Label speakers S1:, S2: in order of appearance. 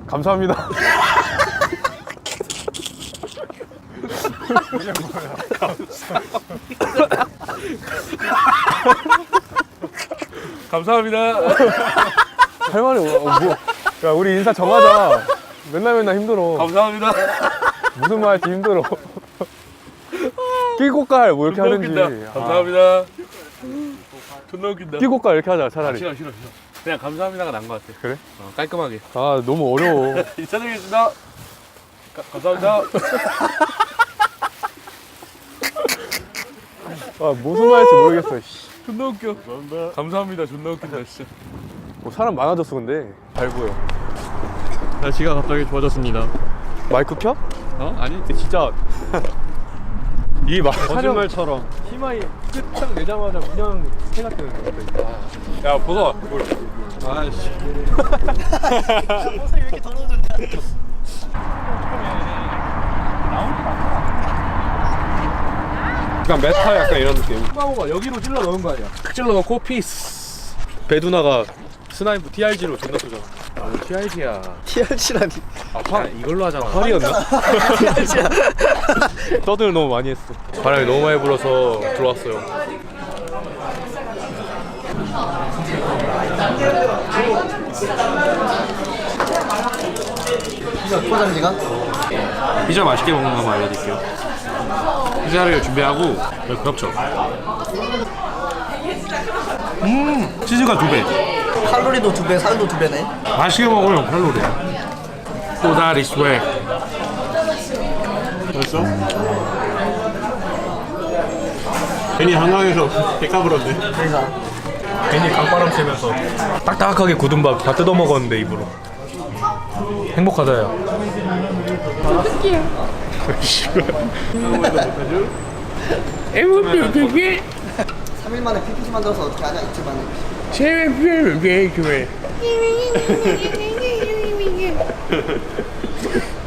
S1: 감사합니다.
S2: 감사합니다.
S1: 할 말이 뭐. 야, 우리 인사 정하자. 맨날 힘들어.
S2: 감사합니다.
S1: 무슨 말 할지 힘들어. 끼고깔 뭐 이렇게
S2: 존나
S1: 하든지.
S2: 웃긴다. 감사합니다. 존나 웃긴다.
S1: 끼고깔 이렇게 하자 차라리.
S2: 싫어. 그냥 감사합니다가 난 것 같아.
S1: 그래?
S2: 깔끔하게.
S1: 아 너무 어려워.
S2: 인사드리겠습니다. 감사합니다.
S1: 아 무슨 말 할지 모르겠어. 씨.
S2: 존나 웃겨. 감사합니다. 존나 웃긴다 진짜.
S1: 뭐 사람 많아졌어 근데. 잘 보여.
S3: 날씨가 갑자기 좋아졌습니다.
S1: 마이크 켜?
S3: 어? 아니
S1: 근데 진짜 이게 막
S3: 거짓말처럼.
S1: 희망이 끝딱 내자마자 그냥 해가 뜨는 거 같아.
S2: 야 보서.
S3: 아씨.
S4: 옷을 왜 이렇게 더러워졌냐?
S1: 약간 메타 약간 이런 느낌.
S3: 수마호가 여기로 찔러 넣은 거 아니야?
S2: 찔러 넣고 피스.
S1: 배두나가 스나이프 TRG로 존나 쏘잖아.
S2: TRG야.
S4: TRG라니.
S2: 아, 이걸로 하잖아.
S1: 활이었나?
S4: TRG야.
S1: 떠들 너무 많이 했어. 바람이 너무 많이 불어서 들어왔어요.
S4: 포장지가?
S2: 피자 맛있게 먹는 거 한번 알려드릴게요. 피자를 준비하고 여기 그렇죠. 치즈가 2배.
S4: 칼로리도 2배, 살도 2배네.
S2: 맛있게 먹으면 칼로리야. 꼬다리 스웩.
S3: 벌써? 괜히 한강에서 백화 불었네.
S4: 그러니까.
S1: 괜히 강바람 쐬면서 딱딱하게 굳은 밥 다 뜯어 먹었는데 입으로. 행복하다 야.
S2: 되게
S4: 3일 만에 PPT 만들어서 어떻게 하냐, 이틀만에.
S2: 재밌게 좋아해.